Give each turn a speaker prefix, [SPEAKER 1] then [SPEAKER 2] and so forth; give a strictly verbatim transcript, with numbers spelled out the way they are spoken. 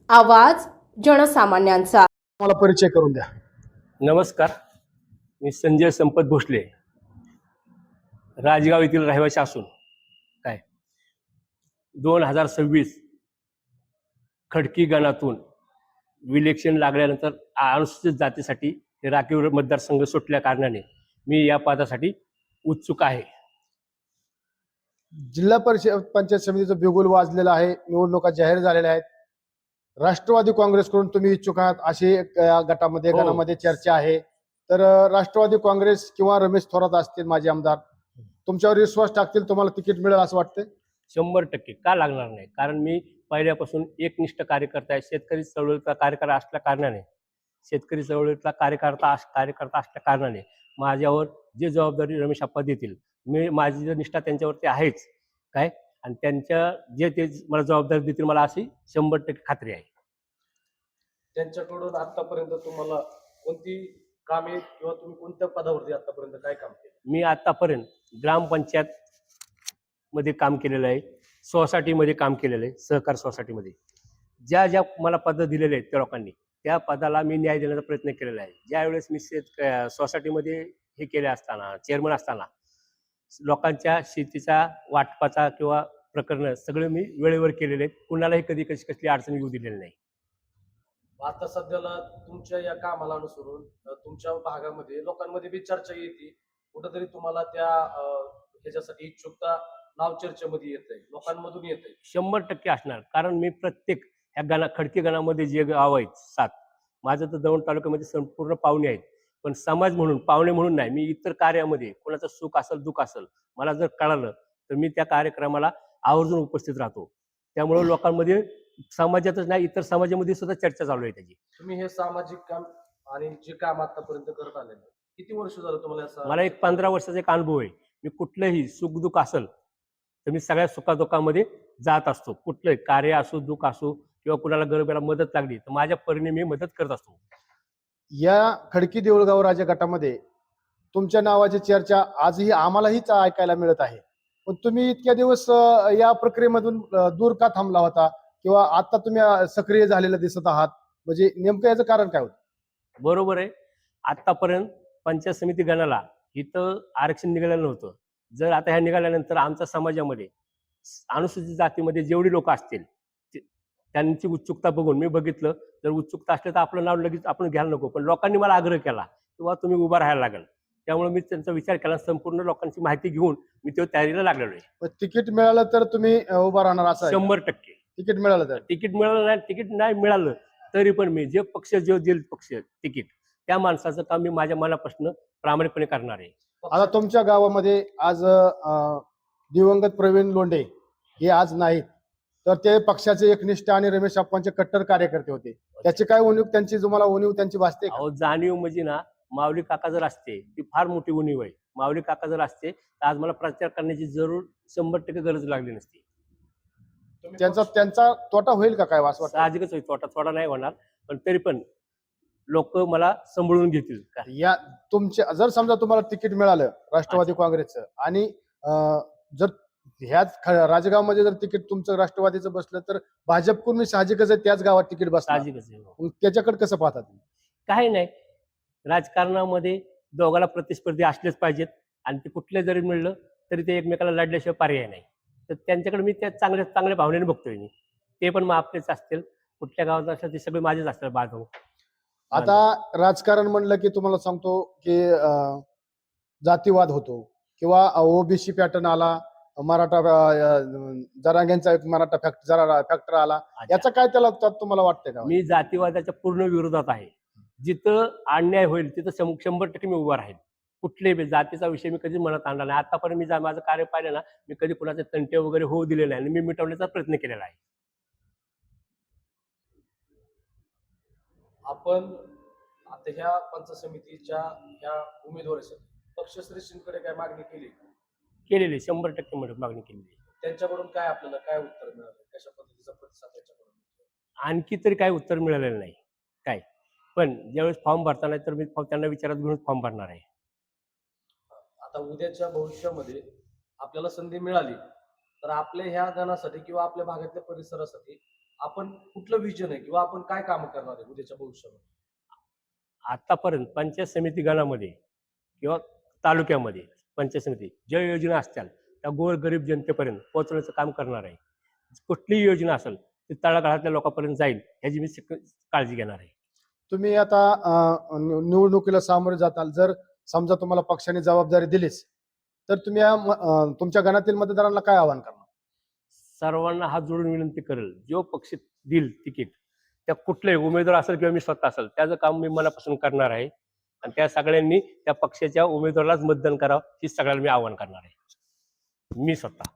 [SPEAKER 1] आवाज जनसामान्यांचा.
[SPEAKER 2] मला परिचय करून द्या.
[SPEAKER 3] नमस्कार, मी संजय संपत भोसले, राजगाव येथील रहिवासी असून काय दोन हजार सव्वीस खडकी गणातून विलेक्शन लागल्यानंतर अनुसूचित जातीसाठी हे राखीव मतदारसंघ सुटल्या कारणाने मी या पदासाठी उत्सुक आहे.
[SPEAKER 2] जिल्हा परिषद पंचायत समितीचं बिगुल वाजलेलं आहे, निवडणुका जाहीर झालेल्या आहेत. राष्ट्रवादी काँग्रेसकडून तुम्ही इच्छुक आहात अशी एक या गटामध्ये
[SPEAKER 3] हो.
[SPEAKER 2] गणामध्ये चर्चा आहे. तर अं, राष्ट्रवादी काँग्रेस किंवा रमेश थोरात असतील माजी आमदार, तुमच्यावर विश्वास टाकतील, तुम्हाला तिकीट मिळेल असं वाटतं?
[SPEAKER 3] शंभर टक्के का लागणार नाही, कारण मी पहिल्यापासून एकनिष्ठ कार्यकर्ता आहे. शेतकरी चळवळीचा कार्यकर्ता असल्या कारणाने शेतकरी चळवळीतला कार्यकर्ता कार्यकर्ता असल्या कारणाने माझ्यावर जी जबाबदारी रमेश आप्पा देतील, मी माझी जी निष्ठा त्यांच्यावरती आहेच काय, आणि त्यांच्या जे ते मला जबाबदारी देतील मला अशी शंभर टक्के खात्री आहे.
[SPEAKER 4] त्यांच्याकडून आतापर्यंत तुम्हाला कोणती कामे किंवा तुम्ही कोणत्या पदावरती आतापर्यंत काय काम केलं?
[SPEAKER 3] मी आतापर्यंत ग्रामपंचायत मध्ये काम केलेलं आहे, सोसायटीमध्ये काम केलेलं आहे, सहकार सोसायटीमध्ये ज्या ज्या मला पद दिलेले आहेत त्या लोकांनी त्या पदाला मी न्याय देण्याचा प्रयत्न केलेला आहे. ज्यावेळेस मी शेत सोसायटीमध्ये हे केले असताना चेअरमन असताना लोकांच्या शेतीचा वाटपाचा किंवा प्रकरण सगळे मी वेळेवर केलेले आहेत. कुणालाही कधी कशी कसली अडचण येऊ दिलेली नाही.
[SPEAKER 4] आता सध्याला तुमच्या या कामाला अनुसरून अ, तुमच्या भागामध्ये लोकांमध्ये बी चर्चा येते, कुठंतरी तुम्हाला त्या अ, ह्याच्यासाठी इच्छुकता नाव चर्चेमध्ये येतंय, लोकांमधून येतंय.
[SPEAKER 3] शंभर टक्के असणार, कारण मी प्रत्येक ह्या गणा खडकी गणामध्ये जे गाव आहेत सात, माझं तर दौंड तालुक्यामध्ये संपूर्ण पाहुणे आहेत. पण समाज म्हणून पाहुणे म्हणून नाही, मी इतर कार्यामध्ये कोणाचं सुख असेल दुःख असेल मला जर कळालं तर मी त्या कार्यक्रमाला आवर्जून उपस्थित राहतो. त्यामुळे लोकांमध्ये समाजातच नाही इतर समाजामध्ये सुद्धा चर्चा चालू आहे त्याची.
[SPEAKER 4] तुम्ही हे सामाजिक काम आणि जे काम आतापर्यंत करत आलेलं आहे, किती वर्ष झालं तुम्हाला या सा-
[SPEAKER 3] मला एक पंधरा वर्षाचा एक अनुभव आहे. मी कुठलंही सुख दुःख असेल तर मी सगळ्या सुखादुःखामध्ये जात असतो. कुठलंही कार्य असो दुःख असो किंवा कुणाला गरजेला मदत लागली तर माझ्या परीने मी मदत करत असतो.
[SPEAKER 2] या खडकी देऊळगाव राजा गटामध्ये तुमच्या नावाची चर्चा आजही आम्हालाहीच ऐकायला मिळत आहे. पण तुम्ही इतक्या दिवस अं, या प्रक्रियेमधून अं, दूर का थांबला होता किंवा आता तुम्ही अं, सक्रिय झालेलं दिसत आहात, म्हणजे नेमकं याचं कारण काय होतं?
[SPEAKER 3] बरोबर आहे. आतापर्यंत पंचायत समिती गणाला इथं आरक्षण निघालेलं नव्हतं. जर आता ह्या निघाल्यानंतर आमच्या समाजामध्ये अनुसूचित जातीमध्ये जेवढी लोक असतील ते- त्यांची उत्सुकता बघून मी बघितलं, जर उत्सुकता असली तर आपलं नाव लगेच आपण घ्यायला नको. पण लोकांनी मला आग्रह केला किंवा तुम्ही उभा राहायला लागेल. त्यामुळे मी त्यांचा विचार केला, संपूर्ण लोकांची माहिती घेऊन मी तेव्हा तयारीला लागलेलो आहे.
[SPEAKER 2] पण तिकीट मिळालं तर तुम्ही अं, उभा राहणार असं आहे का?
[SPEAKER 3] शंभर टक्के
[SPEAKER 2] तिकीट मिळालं तर
[SPEAKER 3] तिकीट मिळालं नाही, तिकीट नाही मिळालं तरी पण मी जे पक्ष जे देईल पक्ष तिकीट त्या माणसाचं काम मी माझ्या मनापासून प्रामाणिकपणे करणार आहे.
[SPEAKER 2] आता तुमच्या गावामध्ये आज अं, दिवंगत प्रवीण लोंढे हे आज नाहीत, तर ते पक्षाचे एकनिष्ठ आणि रमेश आप्पांचे कट्टर कार्यकर्ते होते. त्याची काय उणीव, त्यांची तुम्हाला उणीव त्यांची भासते का?
[SPEAKER 3] अहो जाणीव म्हणजे ना, माऊली काका जर असते ती फार मोठी उणीव आहे. माऊली काका जर असते तर आज मला प्रचार करण्याची जरूर शंभर टक्के गरज लागली नसती.
[SPEAKER 4] तुम्ही
[SPEAKER 2] त्यांचा
[SPEAKER 4] पक्ष-
[SPEAKER 2] त्यांचा तोटा होईल का काय असं वाटतं?
[SPEAKER 3] साहजिकच होईल, तोटा थोडा नाही होणार, पण तरी पण लोक मला सांभाळून घेतील का.
[SPEAKER 2] या तुमच्या जर समजा तुम्हाला तिकीट मिळालं राष्ट्रवादी काँग्रेसचं आणि अं, जर ह्याच ख- राजगावमध्ये जर तिकीट तुमचं राष्ट्रवादीचं बसलं तर भाजपकडून मी साहजिकच आहे त्याच गावात तिकीट बसणार.
[SPEAKER 3] साहजिकच आहे.
[SPEAKER 2] मग त्याच्याकडे कसं पाहता तुम्ही?
[SPEAKER 3] काही नाही, राजकारणामध्ये दोघाला प्रतिस्पर्धी असलेच पाहिजेत आणि ते कुठले जरी मिळलं तरी ते एकमेकाला लढल्याशिवाय पर्याय नाही. तर त्यांच्याकडे मी त्या चांगल्या चांगल्या भावनेने बघतोय मी. ते पण मग आपलेच असतील, कुठल्या गावात असतील ते सगळे माझेच असतील बांधव.
[SPEAKER 2] आता राजकारण म्हणलं की तुम्हाला सांगतो की अं, जातीवाद होतो किंवा ओबीसी पॅटर्न आला, मराठा अं, जरांग्यांचा एक मराठा फॅक्ट जरा फॅक्टर आला,
[SPEAKER 3] अच्छा.
[SPEAKER 2] याचा काय त्याला त्यात तुम्हाला वाटतंय का?
[SPEAKER 3] मी जातीवादाच्या पूर्ण विरोधात आहे. जिथं अन्याय होईल तिथं शं- शंभर टक्के मी उभा राहील. कुठल्याही बी जातीचा विषय मी कधीच मनात आणला नाही. आतापर्यंत मी जा- माझं कार्य पाहिलं ना, मी कधी कुणाचे तंटे वगैरे होऊ दिले नाही आणि मी मिटवण्याचा प्रयत्न केलेला आहे.
[SPEAKER 4] आपण आता ह्या पंचायत समितीच्या ह्या उमेदवारासाठी पक्षश्रेष्ठींकडे काय मागणी केली?
[SPEAKER 3] केलेली शंभर टक्के मदत मागणी केलेली आहे.
[SPEAKER 4] त्यांच्याकडून काय आपल्याला काय उत्तर मिळालं, कशा पद्धतीचा प्रतिसाद त्यांच्याकडून मिळतो?
[SPEAKER 3] आणखी तरी काही उत्तर मिळालेलं नाही काय, पण ज्यावेळेस फॉर्म भरताना तर मी फॉ- त्यांना विचारात घेऊन फॉर्म भरणार आहे.
[SPEAKER 4] आता उद्याच्या भविष्यामध्ये आपल्याला संधी मिळाली तर आपल्या ह्या गणासाठी किंवा आपल्या भागातल्या परिसरासाठी आपण कुठलं विजन आहे किंवा आपण काय काम करणार आहे उद्याच्या भविष्यामध्ये?
[SPEAKER 3] आतापर्यंत पंचायत समिती गणामध्ये किंवा तालुक्यामध्ये पंचायत समिती ज्या योजना असतील त्या गोरगरीब जनतेपर्यंत पोहोचवण्याचं काम करणार आहे. कुठलीही योजना असेल ती तळागाळातल्या लोकांपर्यंत जाईल ह्याची मी सिक- काळजी घेणार आहे.
[SPEAKER 2] तुम्ही आता अं, निव- निवडणुकीला सामोरे जाताल, जर समजा तुम्हाला पक्षाने जबाबदारी दिलीच तर तुम्ही या म- अं, तुमच्या गणातील मतदारांना काय आवाहन करणार?
[SPEAKER 3] सर्वांना हात जोडून विनंती करेल, जो पक्ष देईल तिकीट त्या कुठलाही उमेदवार असेल किंवा मी स्वतः असेल त्याचं काम मी मनापासून करणार आहे आणि त्या सगळ्यांनी त्या पक्षाच्या उमेदवारालाच मतदान करावं ही सगळ्यांना मी आवाहन करणार आहे. मी स्वतः